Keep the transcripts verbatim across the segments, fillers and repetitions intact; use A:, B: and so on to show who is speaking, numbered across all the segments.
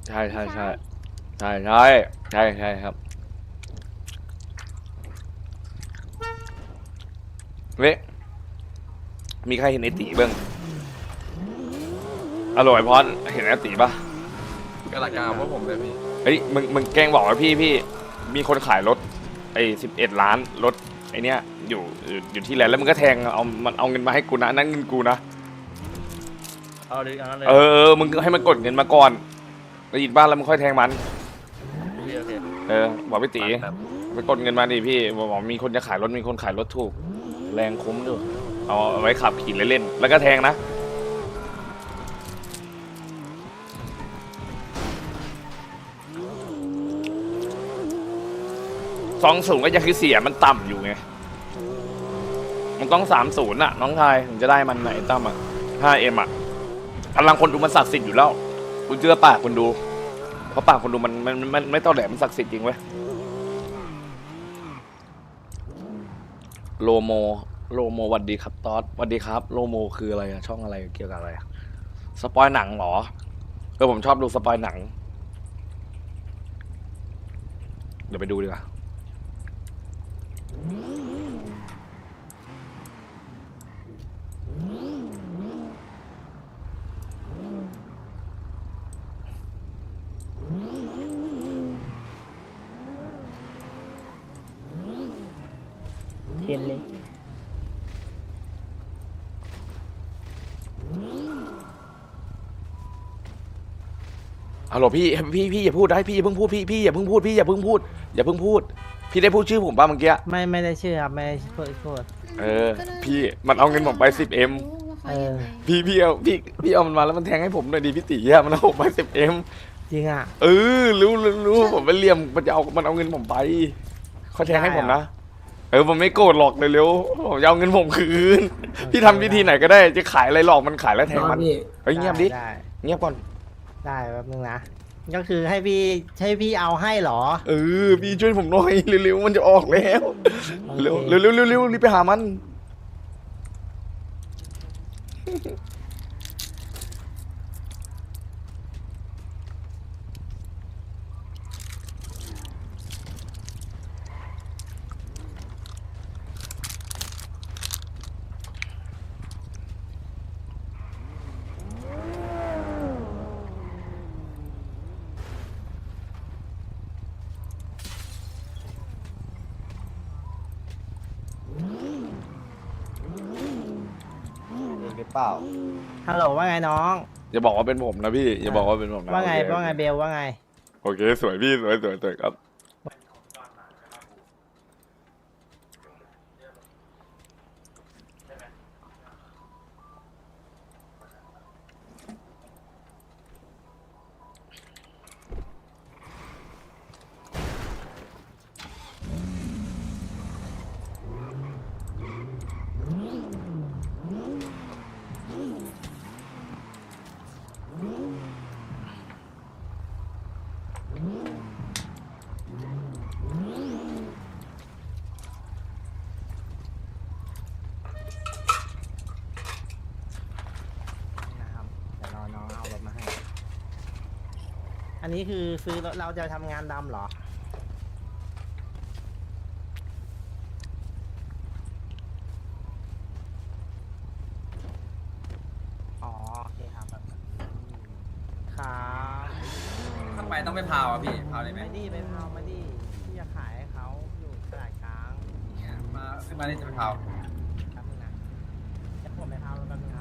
A: ใช่ใช่ใช่ใช่ใช่ใช่ใช่ครับเว้ยมีใครเห็นไอตีบ้างอร่อยพอดเห็นไอตีปะ
B: กระกาพวกผมเลยพี่
A: เฮ้ยมึงมึงแกล้งบอกว่าพี่พี่มีคนขายรถไอ้สิบเอ็ดล้านรถไอเนี้ยอยู่อยู่อยู่ที่แลนด์แล้วมึงก็แทงเอามันเอาเงินมาให้กูนะนั่นเงินกูนะ
C: เอาดิเอาเลย
A: เออเออมึงให้มันกดเงินมาก่อนแล้วยินบ้านแล้วมึงค่อยแทงมัน
C: โอเคโอเค
A: เออบอกพี่ตีไปกดเงินมาดิพี่บอกมีคนจะขายรถมีคนขายรถถูกแรงคุ้มด้วยเอาเอาไว้ขับขี่เล่นๆแล้วก็แทงนะสองศูนย์ก็ยังคือเสียมันต่ำอยู่ไงมันต้องสามศูนย์อ่ะน้องชายถึงจะได้มันไหนตั้มอ่ะห้าเอ็มอ่ะพลังคนดูมันศักดิ์สิทธิ์อยู่แล้วกูเชื่อปากคนดูเพราะปากคนดูมันมันมันไม่ต้อแหลมันศักดิ์สิทธิ์จริงเว้ยโลโมโลโมวัสดีครับตอสวัสดีครับโลโมคืออะไรอะช่องอะไรเกี่ยวกับอะไรอะสปอยหนังเหรอเออผมชอบดูสปอยหนังเดี๋ยวไปดูดีกว่า
D: เทียนเลย
A: ฮัลโหลพี่พี่พี่อย่าพูดได้พี่อย่าเพิ่งพูดพี่พี่อย่าเพิ่งพูดพี่อย่าเพิ่งพูดอย่าเพิ่งพูดพี่ได้พูดชื่อผมป่ะเมื่อกี้
D: ไม่ไม่ได้ชื่อครับไม่ได้พูดพูด
A: เออพี่มันเอาเงินผมไปสิบเอ็ม
D: เออ
A: พี่พี่เอาพี่พี่เอามันมาแล้วมันแทงให้ผมหน่อยดีพี่ตีอะมันเอาผมไปสิบเอ็ม
D: จริงอ่ะ
A: เออรู้รู้รู้ผมไปเลี่ยมมันจะเอามันเอาเงินผมไปเขาแทงให้ผมนะเออผมไม่โกรธหรอกเร็วๆผมจะเอาเงินผมคืนพี่ทำวิธีไหนก็ได้จะขายอะไรหลอกมันขายแล้วแทงมันเฮ้ยเงียบดิเงียบก่อน
D: ได้แป๊บนึงนะก็คือให้พี่ให้พี่เอาให้เหรอ
A: เออพี่ช่วยผมหน่อยเร็วๆมันจะออกแล้วเร็วเร็วเร็วเร็วเร็วรีบไปหามัน
E: หรือเปล่า
D: ฮัลโหลว่าไงน้อง
A: อย่าบอกว่าเป็นผมนะพี่อย่าบอกว่าเป็นผมนะ
D: ว่าไงว่าไงเบลว่าไง
A: โอเคสวยพี่สวยสวยสวยครับ
D: นะครับเดี๋ยวรอน้องเอารถมาให้อันนี้คือซื้อรถเราจะทำงานดำเหรออ๋อโอเคครับแบบครับ
B: ทำไมต้องไปพาวอ่ะพี่พาวได้ไหม
D: ไม่ดีไปพาวมาดิที่จะขายให้เขาอยู่ตลาดกลาง
B: เนี่ยมาขึ้นมาได้จะไปพาว
D: แป๊บนึงนะเดี๋ยวผมไปพาวแป๊บนึงครับ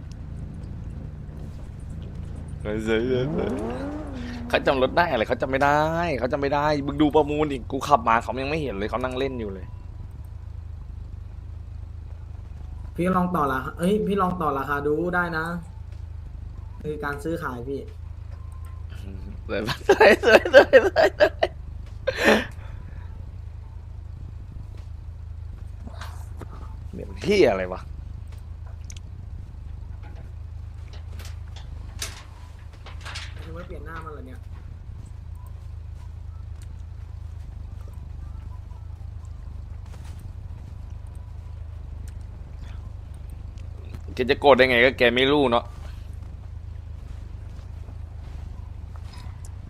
A: เฮ้ยเฮ้ยเฮ้ยเฮ้ยเขาจำรถได้อะไรเขาจำไม่ได้เขาจำไม่ได้มึงดูประมูลอีกกูขับมาเขายังไม่เห็นเลยเขานั่งเล่นอยู่เลย
E: พี่ลองต่อราคาเอ้ยพี่ลองต่อราคาดูได้นะคือการซื้อขายพี่
A: สวยสวยสวยสวยสวยเหมือนที่อะไรวะ
E: คือว่าเปลี่ยนหน้ามันเหรอเนี่ย
A: แกจะโกรธได้ไงก็แกไม่รู้เนาะ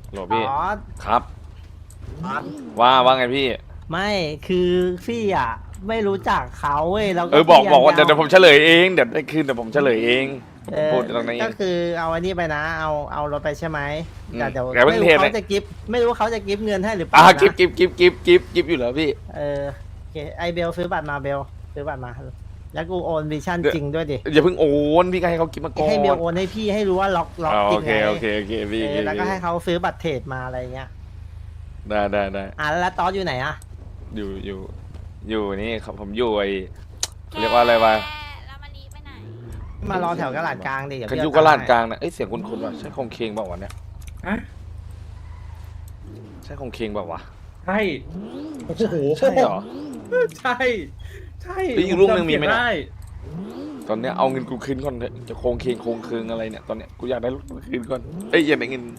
A: โหล
D: อ๋
A: พี่
D: อ
A: ครับ ว่าว่าไงพี่
D: ไม่คือพี่อ่ะไม่รู้จักเขาเว้ยแล้วก็
A: เออบอก
D: พี่
A: บอกว่า
D: ะ
A: เดี๋ยวเดี๋ยวผมเฉลยเองเดี๋ยวได้คืนเดี๋ยวผมเฉลยเอง
D: เออ
A: พูดตรงนี้เอ
D: ก็
A: ง
D: คือเอาอันนี้ไปนะ เอาเอารถไปใช่ไหม
A: อืม
D: แต่เดี๋ยว
A: แกเพิ่
D: ไม่
A: ง
D: รู้
A: เทไหม
D: เขาจะกิฟไม่รู้เขาจะกิฟเงินให้หรือเป
A: อ่ะ
D: ล่านะ
A: กิฟกิฟกิฟกิฟกิฟกิฟอยู่แล้วพี่
D: เออโอเคไอเบลซื้อบัตรมาเบลซื้อบัตรมา แล้วกูโอนวิชั่น
A: เดี๋ยว
D: จริงด้วยดิ
A: อย่าเพิ่งโอนพี่ก็ให้เขากิฟมาก่อน
D: ให้เบลโอนให้พี่ให้รู้ว่าล็อกล็อก
A: อ๋อ
D: จริ
A: โอง เค
D: ไง
A: โอเคโอเคพี่
D: เอ
A: โอเค
D: อแล้วก็ให้เขาซื้อบัตรเทรดมาอะไรเงี้ย
A: ได้ได้ได้
D: อ่ะแล้วตอสอยู่ไหนอ่ะ
A: อยู่อยู่อยู่นี่ครับผมอยู่ไอเรียกว่าอะไรวะ
F: แล้วมารีไปไหน
D: มารอแถวกระดาษกลางดิเดี๋ยว
A: คัน
D: พี่
A: ยุ
D: เอ
A: กลาด
D: ตังค์
A: ก
D: ให้
A: ลางนะเอ้ยเสียงคุณคุณวะใช่คงเคงเปล่าวะเนี่ย
C: อะ
A: ใช่คงเคงเปล่าวะ
C: ใช่โอ้โห
A: ใช่เหรอ
C: ใช่ใช่
A: แล้วอีกลูกหนึ่งมีไหม
C: ผจำเสีย
A: เนี่ย
C: ได้
A: ตอนเนี้ยเอาเงินกูคืนก่อนเถอะจะโคงเคงโคงคืงอะไรเนี่ยตอนเนี้ยกูอยากได้รถกูคืนก่อนเอ้ยอย่าได้เงิน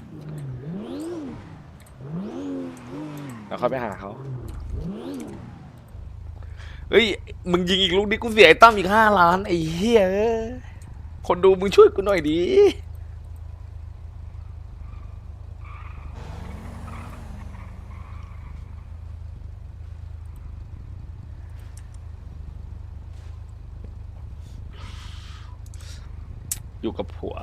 A: แล้วค่อยไปหาเขาเฮ้ยมึงยิงอีกลูกนี้กูเสียไอ้ตั้มอีกห้าล้านไอ้เหี้ยเอ้ยคนดูมึงช่วยกูหน่อยดิอยู่กับผัว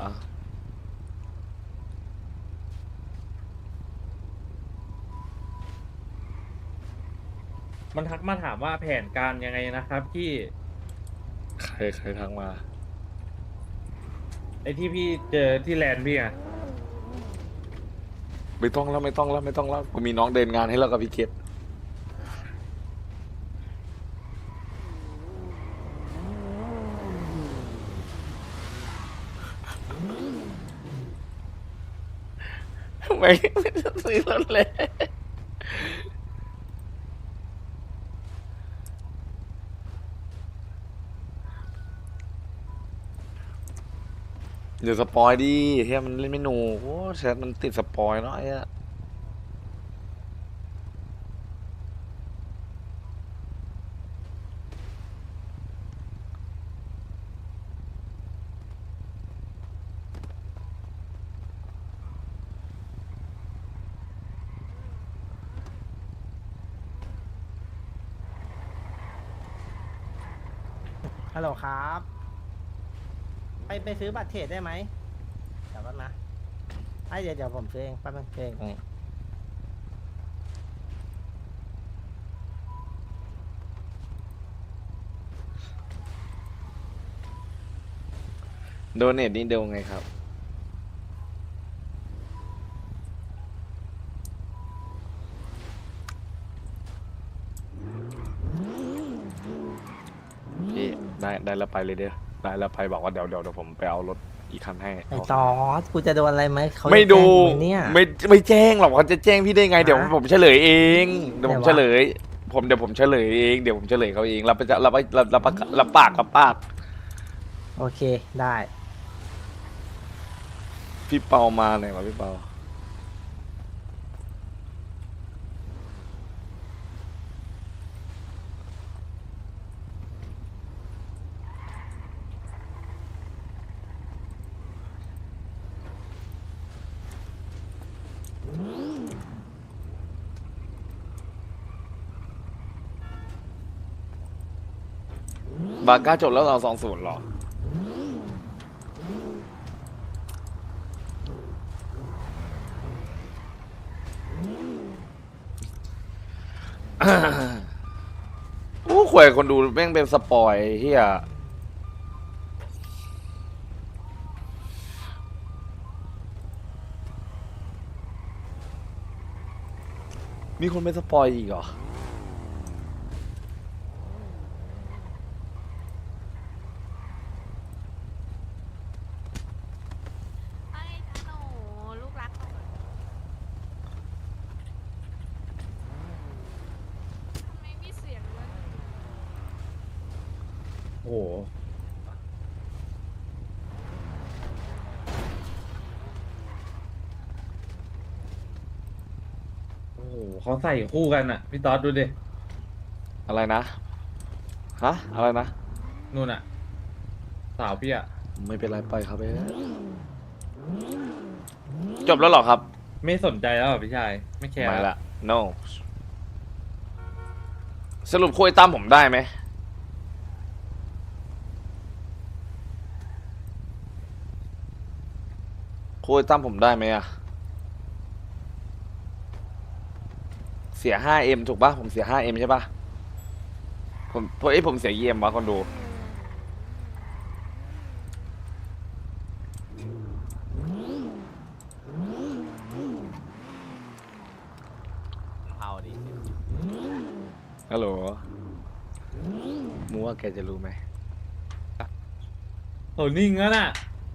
C: มันทักมาถามว่าแผนการยังไงนะครับพี่
A: ใครใครทักมา
C: ไอ้ที่พี่เจอที่แลนด์พี่อะ
A: ไม่ต้องแล้วไม่ต้องแล้วไม่ต้องแล้วกูมีน้องเดินงานให้แล้วกับพี่เก็บทำไมไม่ซื้อรถเลยเดี๋ยวสปอยดิเฮียมันเล่นไม่หนูโอ้แชทมันติดสปอยเนาะไอ้อะ
D: ฮัลโหลครับ ไปไปซื้อบัตรเทรดได้ไหมเดี๋ยวแป๊บนะไอ้เดี๋ยวเดี๋ยวผมซื้อเองแป๊บนึงซื้อเองตรงนี้
A: โดเนทนี่เดียวไงครับ พี่ได้ได้แล้วไปเลยเด้อได้แล้วไปบอกว่าเดี๋ยวเดี๋ยวเดี๋ยวผมไปเอารถอีกคันให้
D: ไอ้ตอสกูจะโดนอะไรไหมเขาจะ
A: ไม่ดู
D: แจ้งกูไหมเนี่ย
A: ไม่ไม่แจ้งหรอกเขาจะแจ้งพี่ได้ไง เดี๋ยว
D: ฮะ
A: ผมเฉลยเองเดี๋ยวผม
D: ไหนวะ
A: เฉลย ผมเดี๋ยวผมเฉลยเองเดี๋ยวผมเฉลยเขาเองรับไปจะรับไปรับรับปากรับปากรับปาก
D: โอเคได้
A: พี่เปามาไหนวะพี่เปาบาก้าจบแล้วเราสองศูนย์หรอ โอ้ข่วยคนดูแม่งเป็นสปอยเฮียมีคนเป็นสปอยอีกเหรอ
F: ไอ้หนูลูกรักหนูทำไมมีเสียงเลย
C: โอ้โหโอ้โหเขาใส่คู่กันอะพี่ต๊อดดูดิ
A: อะไรนะ ฮะ อะไรนะ
C: นู่นอะสาวพี่อะ
A: ไม่เป็นไรไปครับเอ้ยจบแล้วเหรอครับ
C: ไม่สนใจแล้วเหรอพี่ชายไม่แคร์
A: ไม่ละ no สรุปคุยตามผมได้ไหมคุยตามผมได้ไหมอะเสีย ห้าเอ็ม ถูกปะผมเสีย ห้าเอ็ม ใช่ปะผมเพราะไอ้ยผมเสีย อี เอ็ม วะคนดู
D: เอาดิ
A: ฮัลโหลมูว่าแกจะรู้ไหม
C: โอ้นิ่งแล้วน่ะ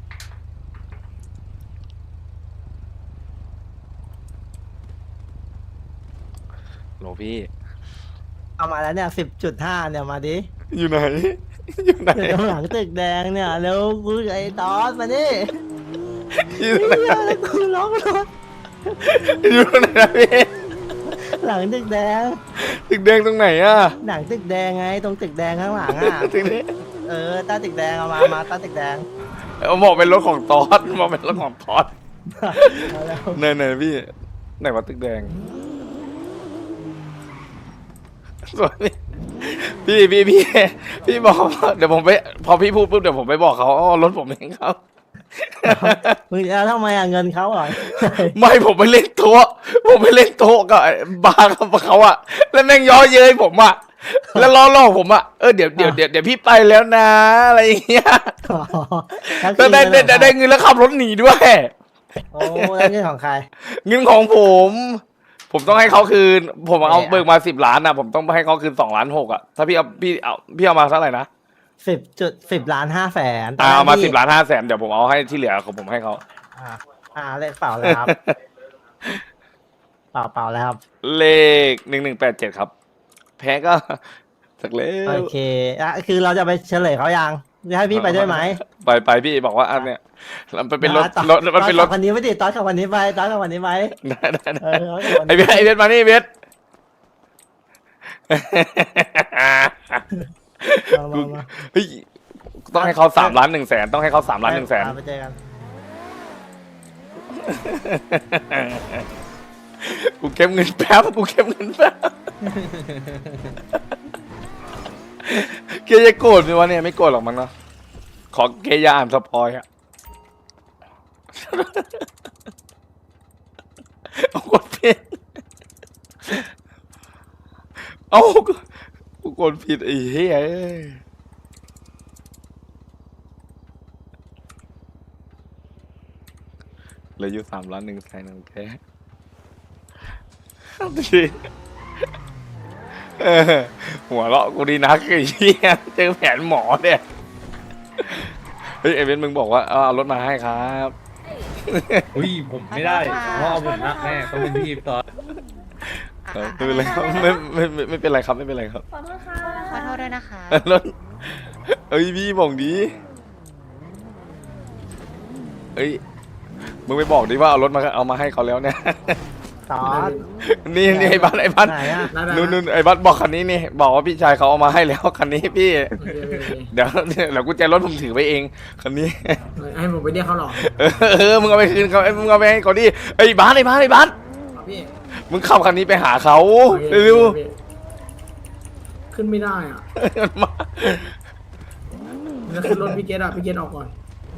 A: โหลพี่
D: เอามาแล้วเนี่ยสิบจุดห้าเนี่ยมาดิ
A: อยู่ไหน อยู่ไหน
D: อยู่ตรงหลังตึกแดงเนี่ยเร็วกูไอ้ตอสมาดิ
A: อยู่ไหน
D: เหี้ยแล้วกูร้องรถ
A: อยู่ไหนนะพี่
D: หลังตึกแดง
A: ตึกแดงตรงไหนอะ
D: หนังตึกแดงไงตรงตึกแดงข้างหลังอ่ะ
A: ตึกนี้
D: เออใต้ตึกแดงเอามามาใต้ตึกแดง
A: เอาบอกเป็นรถของตอสบอกเป็นรถของตอส
D: เอาแล้ว
A: เนยเนยพี่ไหนวะตึกแดงสวยพี่พี่พี่พี่บอกว่าเดี๋ยวผมไปพอพี่พูดปุ๊บเดี๋ยวผมไปบอกเขาอ๋อรถผมเองครับ
D: มึงจะทำไมอ่ะเงินเขาเหรอ
A: ไม่ผมไปเล่นโต๊ะผมไปเล่นโต๊ะกับบาร์กับเขาอะแล้วแม่งย้อเย้ยผมอะแล้วล้อล่อผมอะเออเดี๋ยวเดี๋ยวเดี๋ยวเดี๋ยวพี่ไปแล้วนะอะไรอย่างเงี้ย
D: อ๋อ
A: แล้วได้ได้ได้ได้เงินแล้วขับรถหนีด้วย
D: โอ้แล้วเงินของใคร
A: เงินของผม ผมต้องให้เขาคืน ผมเอาเบิกมาสิบล้านอะผมต้องให้เขาคืนสองล้านหกอะถ้าพี่เอาพี่เอาพี่เอามาเท่าไหร่นะ
D: สิบจุดสิบล้านห้าแสน
A: อ่าเอามาสิบล้านห้าแสนเดี๋ยวผมเอาให้ที่เหลือของผมให้เขา
D: อ่าอ่าเลขเปล่าเลยครับ เปล่าเปล่าแล้วครับ
A: เลขหนึ่งหนึ่งแปดเจ็ดครับ แพ้ก็สักเล็
D: โอเคอ่ะคือเราจะไปเฉลยเขายังจะให้พี่ไปด้วยไหม
A: ไปไปพี่บอกว่าอันเนี้ยมันเป็นรถ
D: ตอ
A: รถมันเป็นรถ
D: ตอขับคันนี้ไม่ดิตอนขับคันนี้ไปตอนขับคันนี้ไป
A: ได้ได้
D: เอ
A: ได้
D: อตอนขับคัน
A: ไอ
D: นี้
A: เบสไอเบสมานี่เบส
D: มามามา
A: เฮ้ยต้องให้เขาสามล้านหนึ่งแสนต้องให้เขาสามล้านหนึ่งแสน
D: ไปเจอกัน
A: กูเก็บเงินแป๊บกูเก็บเงินแป๊บเกย์จะโกรธไหมวะเนี่ยไม่โกรธหรอกมั้งเนาะขอเกย์อยาอ่านสปอยอะเอากดผิดเอากูกดผิดไอ้เหี้ยเอ้ยเหลืออยู่สามล้านหนึ่งแสนโอเคดีเออหัวเราะกูดีนักไอ้เหี้ยเจอแผนหมอเนี่ยเฮ้ยไอเวนมึงบอกว่าเอาเอารถมาให้ครับ
C: อุ้ยผมไม่ได้เพราะเอาผมนักแน่ต้องเป็นพี่ตอน
A: เออไม่เป็นไรครับไม่ไม่ไม่ไม่เป็นไรครับไม่เป็นไรครับ
F: ขอโทษค่ะขอโทษด้วยนะคะ
A: รถเอ้ยพี่บอกดีเอ้ยมึงไปบอกดิว่าเอารถมาเอามาให้เขาแล้วเนี่ย
D: ตอน
A: นี่นี่ไอ้บัสไอ้บัส
D: ไหนอ่ะ
E: ได้ได้
A: นู่นนู่นไอ้บัสบอกคันนี้นี่บอกว่าพี่ชายเขาเอามาให้แล้วคันนี้พี่
E: โอเคโอเคโอเค
A: เดี๋ยวเดี๋ยวกุญแจรถผมถือไว้เองคันนี้
E: ให้ผมไปเรียกเขาหรอ
A: เออเออมึงเอาไปคืนเขาไอ้มึงเอาไปให้เขาดิไอ้บัสไอ้บัสไอ้บัส
E: ครับพี่
A: มึงขับคันนี้ไปหาเขา
E: โอเค
A: เร็ว
E: โอเคขึ้นไม่ได้อ่ะ
A: ๆมา
E: แล้วขึ้นรถพี่เกตอ่ะพี่เกตออกก่อน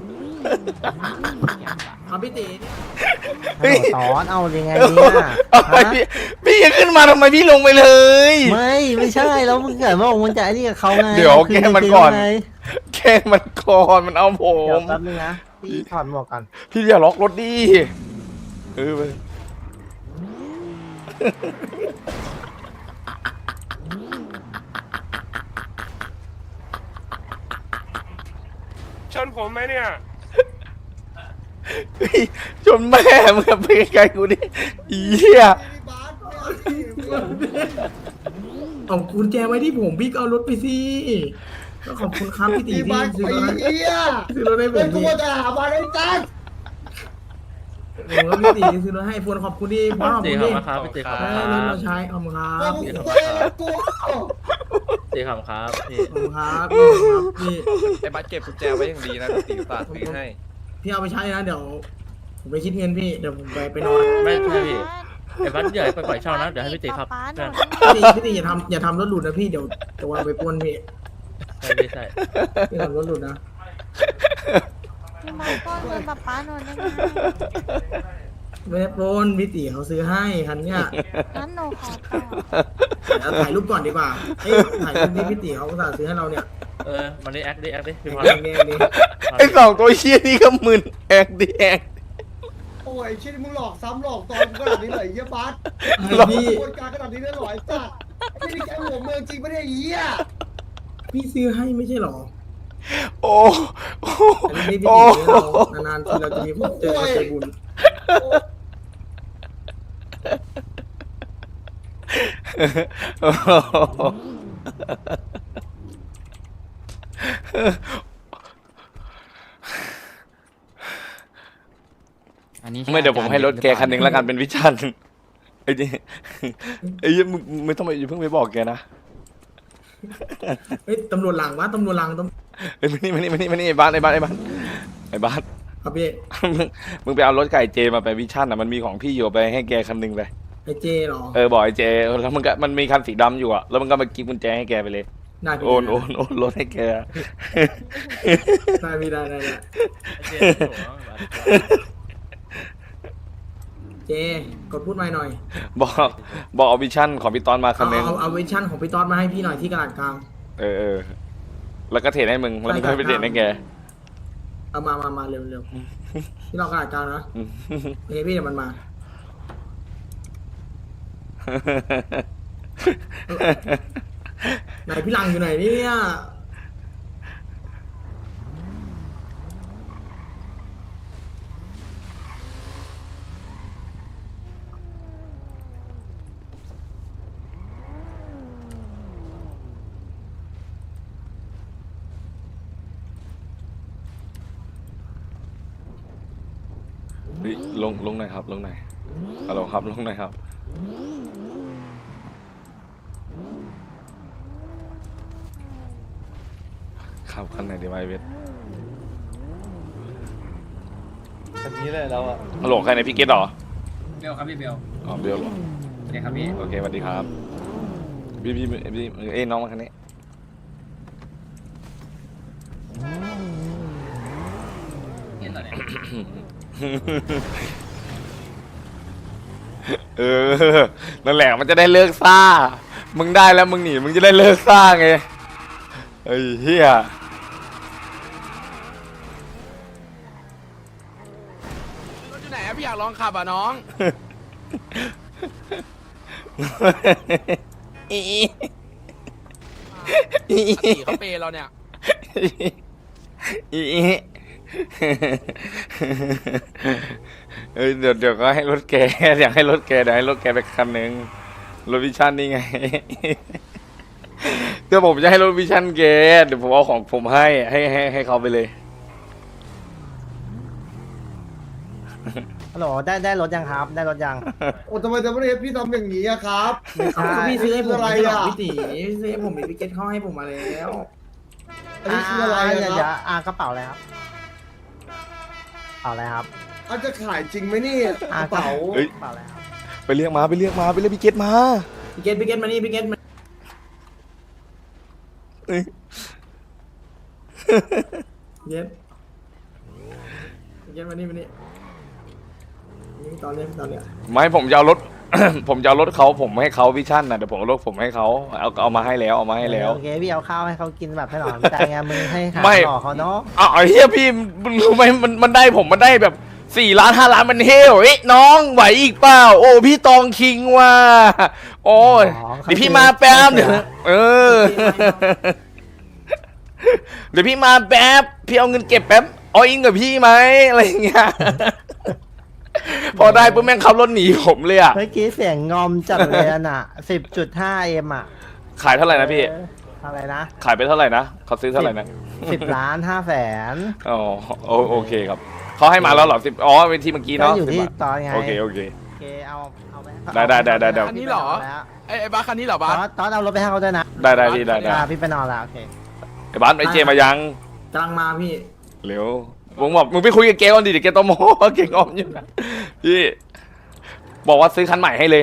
E: เอาพี่ตี
D: ฮัลโหลตอนเอายังไงเนี่ย
A: เอาไป
D: ฮะ
A: พี่พี่อย่าขึ้นมาทำไมพี่ลงไปเลย
D: ไม่ไม่ใช่แล้วมึงเกิดว่ามึงจะไอ้นี่กับเขาไง
A: เดี๋ยว
D: คื
A: แกล้งมันก่อน
D: ไง
A: แค่มันก่อนมันเอาผ
D: เดี๋ยว
A: ม
D: แป๊บนึงนะพี่ถอดหมวกก่อน
A: พี่อย่าล็อกรถดิเออไป
G: ชนผมไหมเนี่ย
A: เฮ้ยจนแม่มึงอะไปไกลๆกูดิอีเหี้ย
E: เอากุญแจไว้ที่ผมพี่ก็เอารถไปสิก็ขอบคุณครับพี่ตี
H: อี
E: ที่
H: บ้าน
E: ซื้อ
H: ไอ้
E: รถให้
H: เหี้ย
E: ซื้อรถให้ผ
H: เป็น
E: ม
H: ตั
E: พี่
H: วจะหาบ้านไอ้ตัน
E: ผมก็พี่ตีซื้อรถให้พวนขอบคุณที่พ่อขอบ
C: เจ
E: คุณ
C: ขับ
E: ที่
C: มาครับพี่เจขับ
E: ได้
C: มาร
E: ถมาใช้ขอบคุณครับ
H: ก็
E: ข
H: มึง
E: อบ
H: เว้ยกู
C: เจขับครับพี่
E: คุณครับขอบคุณครับพี่
B: ไอ้บัสเก็บกุญแจไว้อย่างดีนะตีฝากซื้อให้
E: พี่เอาไปใช้นะเดี๋ยวผมไปคิดเงินพี่เดี๋ยวผมไปไปนอน
C: ไม่ใช่พี่ไอ้บัสอย่าไปปล่อยเช่านะเดี๋ยวให้พี่ตีครับ
F: ป๊าหนู
E: พี่ตีพี่ตีอย่าทำอย่าทำรถหลุดนะพี่เดี๋ยวจะวางไปปล้นพี่
C: ใช่พี่ใช่
E: พี่ทำรถหลุดนะ
F: พี่มาป้อนเงินป๊าป๊าหนูได้ไหม
E: ไม่ได้ปล้นพี่ตีเขาซื้อให้คันเนี้ย
F: งั้นหนูขอต่อ
E: เดี๋ยวถ่ายรูปก่อนดีกว่าเอ้ยถ่ายรูปที่พี่ตีเขาอุตส่าห์ซื้อให้เราเนี่ย
C: เออมันได้แอคได้แอคได้พี่พร
E: เองเองนี่
A: ไอ้สองตัวเชี่ยนี่ก็มึนแอกดิแอก
G: โอ้ยเช่นมึงหลอกซ้ำหลอกตอนขนาดนี้เลยไอ้เหี้ยบัส
E: พี่
G: กระบวนการขนาดนี้ได้หรอไอ้สัตว์ไม่ได้แค่หัวเมืองจริงไม่ได้ไอ้เหี้ย
E: พี่ซื้อให้ไม่ใช่หรอ
A: โอ้โอ้
E: อันนี้พี่
A: โอ้
E: ตีให้เรานานๆทีเราจะมีพบเจอใจบุญ
A: ไม่เดี๋ยวผมให้รถแกคันหนึ่งแล้วกันเป็นวิชันไอ้นี่ไอ้ยี่มึงไม่ต้องไปอย่าเพิ่งไปบอกแกนะ
E: เฮ้ยตำรวจหลังวะตำรวจหลังต
A: เอ้ยมานี่มานี่มานี่มานี่ไอ้บ้านไอ้บ้านไอ้บ้านไอ้บ้าน
E: ำครับพี่
A: มึงมึงไปเอารถไก่เจมาไปวิชันอ่ะมันมีของพี่อยู่ไปให้แกคันหนึ่งไป
E: ไอเจเหรอ
A: เออบอกไอ้เจแล้วมันก็มันมีคันสีดำอยู่อ่ะแล้วมันก็มากินกุญแจให้แกไปเลย
E: ได้พี่
A: โอนโอนโอนรถให้แก
E: ได้พี่ได้ได้ได้
C: ไอ้เจ๊โถ่บัส
E: เจกดพูดไม่หน่อย
A: บอกบอกเอาวิชั่นของพี่ตอนมาคั
E: เอา
A: นหนึง
E: เอาเอาเวอร์ชันของพี่ต๊อดมาให้พี่หน่อยที่กระดาษกลาง
A: เออเออแล้วก็เทรดให้มึงแล้วมึงก็ไปเทรดให้แก
E: เอามามามาเร็วเร็วที่เรากระดาษกลางนะ
A: อืม
E: โอเคพี่เดี๋ยวมันมาไหนพี่หลังอยู่ไหนเนี่ย
A: เฮ้ยลงลงหน่อยครับลงหน่อยฮัลโหลครับลงหน่อยครับขับคันไหนดีวะไอเวท
C: อันนี้เลยเราอะ
A: ฮัลโหลใครในพี่เกตเหรอ
B: เบลครับพี่เบล
A: อ๋อเบลเหรอ
B: โอเคครับพี่
A: โอเคสวัสดีครับพี่พี่พี่เอ้ยน้องมาคันนี้
B: เห็นเหรอเนี่ย
A: เออนั่นแหละมันจะได้เลิกซ่ามึงได้แล้วมึงหนีมึงจะได้เลิกซ่าไงไอ้เหี้ยรถอยู่ไหนอะพี่อยากลองขับอ่ะน้องอีอีเขาเปย์เราเนี่ยอีเอ้ยเดี๋ยวเดี๋ยวก็ให้รถแกอยากให้รถแกเดี๋ยวให้รถแกไปคันหนึ่งรถวิชั่นนี่ไงเดี๋ยวผมจะให้รถวิชั่นแกเดี๋ยวผมเอาของผมให้ให้ให้ให้เขาไปเลย
D: ฮัลโหลได้ได้รถยังครับ ได้รถยัง
G: โอ้ทำไมทำไมพี่ทำอย่างนี้อะครับ
E: เอาก็พี่ซื้อให้ผม
G: อะไร
E: ไม่ใช่หรอ
G: อะ
E: พี่ตีพี่ซื้อให้ผมมีพี่เกตเข้าให้ผมมาแล้ว
G: อันนี้คืออะไร
D: า
G: อะ
D: เดี๋ยว
G: ค
D: เดี๋ย
G: รั
D: ว
G: บ
D: อ่ากระเป๋าอะไรครับกระเป๋าอะไรครับ
G: อาจจะขายจริงไหมนี่ก
D: อ่า
G: ระเป๋า
A: เฮ้ย
D: กระเป๋าอะไรครับ
A: ไปเรียกมาไปเรียกมาไปเรียกพี่เกตมา
E: พี่เกตพี่เกตมานี่พี่เกตมา
A: เอ้ย
E: พี่เกตพี่เกตมานี่มานี่นี่ตอนเนี้ยตอนเนี้ย
A: ไม่ผมจะเอารถ ผมจะเอารถเขาผมให้เขาวิชั่นนะเดี๋ยวผมเอารถผมให้เขาเอาเอามาให้แล้วเอามาให้แล้ว
D: โอเคพี่เอาข้าวให้เขากินแบบให้หนอนใจไงมึงให้หา
A: ไม่
D: หล่อเขาเนาะ
A: อ้าวไอ้เฮียพี่มึงรู้ไหมมันมันได้ผมมันได้แบบสี่ล้านห้าล้านมันเฮลเอ้ยน้องไหวอีกเปล่าโอ้พี่ตองคิงว่ะโอ้ยเดี๋ยวพี่มาแป๊บเดี๋ยวเออ เดี๋ยวพี่มาแป๊บพี่เอาเงินเก็บแป๊บเอาอิงกับพี่ไหมอะไรอย่างเงี้ย พอได้ปุ๊บแม่งขับรถหนีผมเลยอ่ะ
D: เมื่อกี้เสียงงอมจัดเลยอะน่ะสิบจุดห้าเอ็มอ่ะ
A: ขายเท่าไหร่นะพี่
D: เอออะไรนะ
A: ขายไปเท่าไหร่นะเขาซื้อเท่าไหร่นะ
D: สิบล้านห้าแสน
A: อ๋อโอโอเคครับเขาให้มาแล้วเหรอสิบอ๋อเวทีเมื่อกี้
D: ก็
A: เนาะ
D: อยู่ที่
A: สิบบาท
D: ตอนไง
A: โอเคโอเค
D: โอเคเอาเอาไป
A: ได้ได้ได้ได้ได้
D: อันนี้เหรอ
H: ไอ้ไอ้บ้าคันนี้เหรอ
D: ต
H: บ้า
D: อนตอนเอารถไปให้เขาด้วยนะ
A: ได้ได้พี่ได้ได้
D: อ่าพี่ไปนอนละโอเค
A: ไอ้บ้านไอ้เจมายัง
E: กำลังมาพี่
A: เร็วผมบอกมึงไปคุยกับเกก่อนดิเดี๋ยวเกตโมเก่งออมอยู่นะพี่บอกว่าซื้อคันใหม่ให้เลย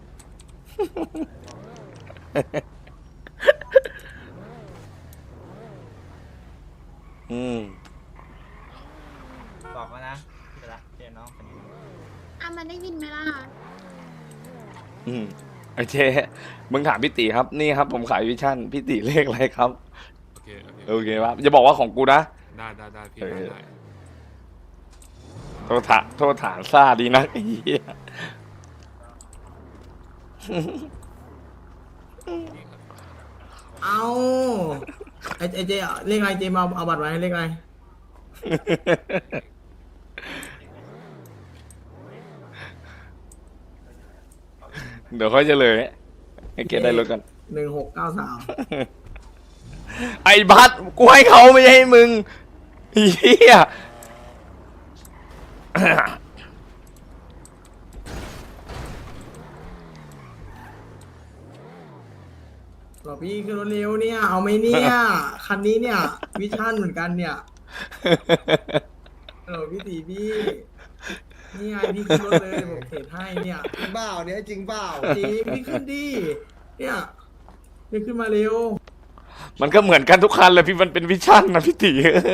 A: อืม
D: บอกมานะเดี๋ยวละเดี๋ยวน้องคนนี้
F: อ่ะมันได้ยินไหมล่ะ
A: อืมไอเจมึงถามพี่ตีครับ นี่ครับ ผมขายวิชั่นพี่ตีเลขอะไรครับ
H: โอเค โอเค
A: โอเคครับอย่าบอกว่าของกูนะ
H: ได้ได้ได้พี่
A: เออ
H: ได้ได้
A: โทษฐานโทษฐานซาดีนะไอ้เหี้ย
E: เอาไอไอเจเลขอะไรเจมาเอาบัตรไว้เลขอะไร
A: เดี๋ยวค่อยเฉลยให้เกดได้รถกัน
E: หนึ่งหกเก้าสาม
A: ไอ้บัสกูให้เขาไม่ใช่ให้มึงเฮีย
E: บอกพี่ขึ้นรถเร็วเนี่ย เอาไหมเนี่ย คันนี้เนี่ย วิชั่นเหมือนกันเนี่ยเออพี่ตีพี่ นี่ไงพี่ขึ้นรถเลยผมเทรดให้เนี่ย
G: จริงเปล่าเนี่ยจริงเปล่า
E: จริงพี่ขึ้นดิเนี่ยพี่ขึ้นมาเร็ว
A: มันก็เหมือนกันทุกคันเลยพี่มันเป็นวิชั่นนะพี่ตี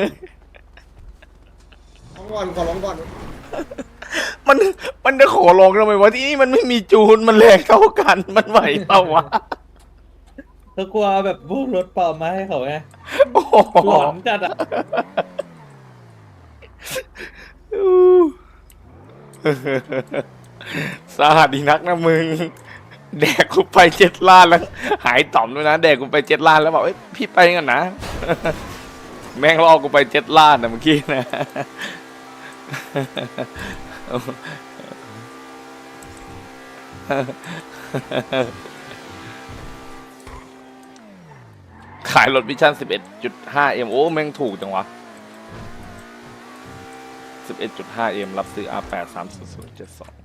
G: ร้องก่อนขอร้องก่อน
A: มันมันจะขอลองทำไมวะที่นี่มันไม่มีจูนมันแรงเท่ากันมันไหวเปล่าวะ
C: ก็กลัวแบบพวกรถปลอมมาให้เขาไง
A: โอ้โห
C: หลอนจัดอ่ะ
A: สาหัสดีนักนะมึง แดกกูไปเจ็ดล้านแล้ว หายต่อมด้วยนะแดกกูไปเจ็ดล้านแล้วบอกเอ้ยพี่ไปกันนะ แม่งล่อกูไปเจ็ดล้านนะเมื่อกี้นะ ขายรถวิชั่น สิบเอ็ดจุดห้า เอ็ม โอ้แม่งถูกจังวะ สิบเอ็ดจุดห้า เอ็ม รับซื้อ อาร์ แปด สาม ศูนย์ ศูนย์ เจ็ด สอง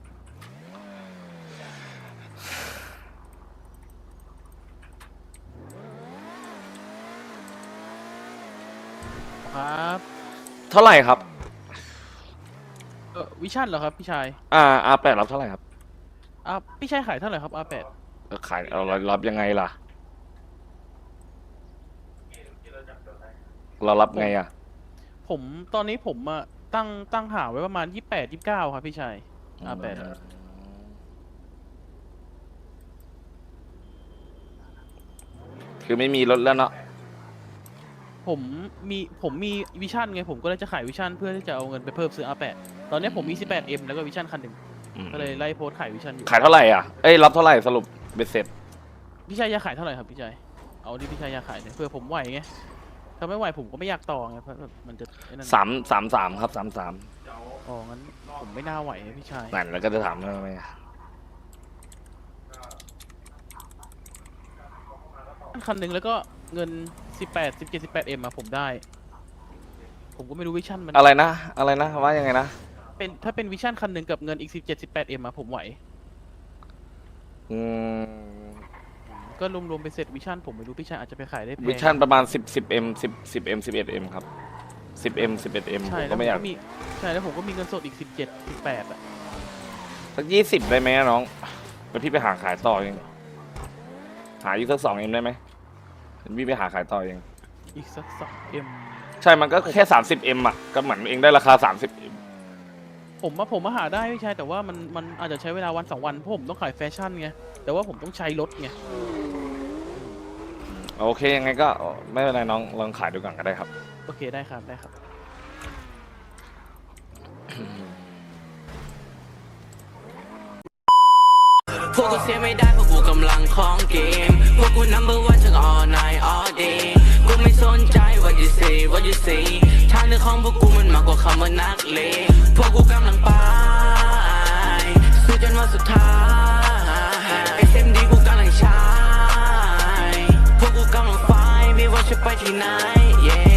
I: ครับ
A: เท่าไหร่ครับ
I: เออวิชั่นเหรอครับพี่ชาย
A: อ่า อาร์ แปด รับเท่าไหร่ครับ
I: อ่ะพี่ชายขายเท่าไหร่ครับอาแปด
A: เออขายเรารับยังไงล่ะ เรารับไงอ่ะ
I: ผมตอนนี้ผมอะตั้งตั้งหาไว้ประมาณยี่แปดยี่เก้าครับพี่ชายอาแปด
A: คือไม่มีรถแล้วเนาะ
I: ผมมีผมมีวิชั่นไงผมก็เลยจะขายวิชั่นเพื่อที่จะเอาเงินไปเพิ่มซื้ออาแปดตอนนี้ผมมี สิบแปดเอ็ม แล้วก็วิชั่นคันหนึ่ง
A: อืม
I: ก็เลยไล่โพสต์ขายวิชั่นอยู่
A: ขายเท่าไหร่อ่ะ เอ้ย รับเท่าไหร่สรุปเบ็ดเสร็จ
I: พี่ชายอยากขายเท่าไหร่ครับพี่ชายเอาที่พี่ชายอยากขายเนี่ยเพื่อผมไหวไงถ้าไม่ไหวผมก็ไม่อยากต่อไงเพราะแบบมันจะไอ้นั่น
A: สามสามสามครับสามสาม
I: อ๋องั้นผมไม่น่าไหวไงพี่ชาย
A: นั่นแล้วก็จะถามทำไมอ่ะ
I: คันหนึ่งแล้วก็เงินสิบแปด สิบเจ็ด สิบแปดเอ็มอะผมได้ ผมก็ไม่รู้วิชั่นมัน
A: อะไรนะ อะไรนะ ว่ายังไงนะ
I: เป็นถ้าเป็นวิชั่นคันหนึ่งกับเงินอีกสิบเจ็ด สิบแปดเอ็มอะผมไหว
A: อืม
I: ก็รวมๆไปเสร็จวิชั่นผมไม่รู้พี่ชายอาจจะไปขายได้แพง
A: วิชั่นประมาณสิบสิบเอ็มสิบสิบเอ็มสิบเอ็ดเอ็มครับสิบเอ็มสิบเอ็ดเอ็ม
I: ใช่
A: ผม
I: แล้ว
A: ก็
I: ผม
A: ไม่อยาก
I: ก็มีใช่แล้วผมก็มีเงินสดอีกสิบเจ็ด สิบแปดอะ
A: สักยี่สิบได้ไหมอะน้องแล้วพี่ไปหาขายต่อเองหาอีกสักสองเอ็มได้ไหมพี่ไปหาขายต่อเอง
I: อีกสักสองเอ็ม
A: ใช่มันก็แค่สามสิบเอ็มอ่ะก็เหมือนเองได้ราคาสามสิบเอ็ม
I: ผมว่าผมมาหาได้พี่ชายแต่ว่ามันมันอาจจะใช้เวลาวันสองวันเพราะผมต้องขายแฟชั่นไงแต่ว่าผมต้องใช้รถไง
A: โอเคยังไงก็ไม่เป็นไรน้องลองขายดูก่อนก็ได้ครับ
I: โอเคได้ครับได้ครับ
J: พวกกูเสียไม่ได้เพราะกูกำลังของเกมพวกกู number one ทั้ง all night all day กูไม่สนใจ what you say what you say ทางเดินของพวกกูมันมากกว่าคำว่านักเลงพวกกูกำลังไปสู้จนวันสุดท้าย เอส เอ็ม ดี กูกำลังใช้พวกกูกำลังไฟไม่ว่าจะไปที่ไหน yeah